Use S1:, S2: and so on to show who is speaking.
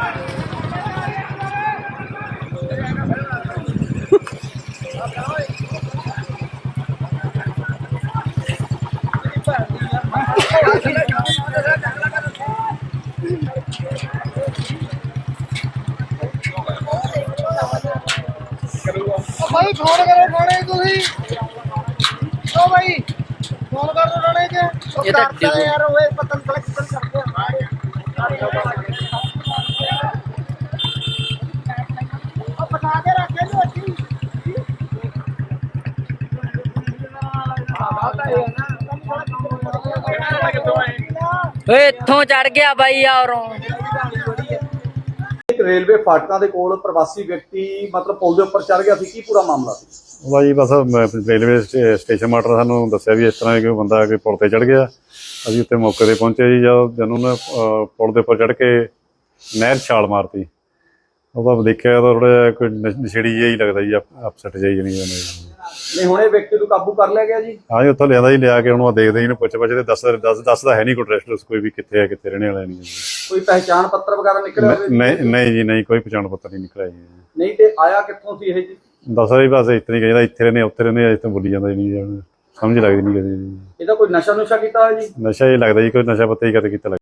S1: भाई फोन करो थाने तुसी ओ भाई फोन कर दो थाने च ये करते यार ओए पता कलेक्ट करते हैं ओ बता के रखे लो अच्छी
S2: ਓਏ ਇੱਥੋਂ ਚੜ ਗਿਆ ਬਾਈ ਯਾਰੋਂ।
S3: रेलवे फाटकों के कोल प्रवासी व्यक्ति मतलब पुल के उपर चढ़ गया सी, की पूरा मामला सी?
S4: जी बस रेलवे स्टेशन मास्टर सानू दस्सिया भी इस तरह कि बंदा कि पुल पर चढ़ गया। अभी उत्ते मौके पर पहुंचे जी, जब उन्होंने पुल के उपर चढ़ के नहर छाल मारती, वो देखा तो थोड़ा जिहा कोई नशेड़ी जिहा ही लगता जी, अपसैट जी जनी
S3: नहीं हुणे व्यक्ति को काबू कर लिया गया जी?
S4: हाँ जी, उत्थों लिया जी, लिया के उन्होंने देखते जी पुछ पछ दसदा है नहीं कोई एड्रैस कोई भी कितने है कितने रहने वाला नहीं।
S3: कोई पहचान पत्र वगैरह निकले?
S4: नहीं जी, नहीं कोई पहचान पत्र नहीं निकला जी।
S3: नहीं तो आया कित्थों सी ये जी?
S4: दस जी बस इतना ही कहता इतने रहने उत्थे रहने, अज तो बोली जाता ही नहीं, समझ लगती नहीं कभी।
S3: ਇਹਦਾ ਕੋਈ ਨਸ਼ਾ ਨੁਸ਼ਾ ਕੀਤਾ ਹੈ ਜੀ?
S4: नशा ही लगता जी, कोई नशा पत्ता ही कदे कीता।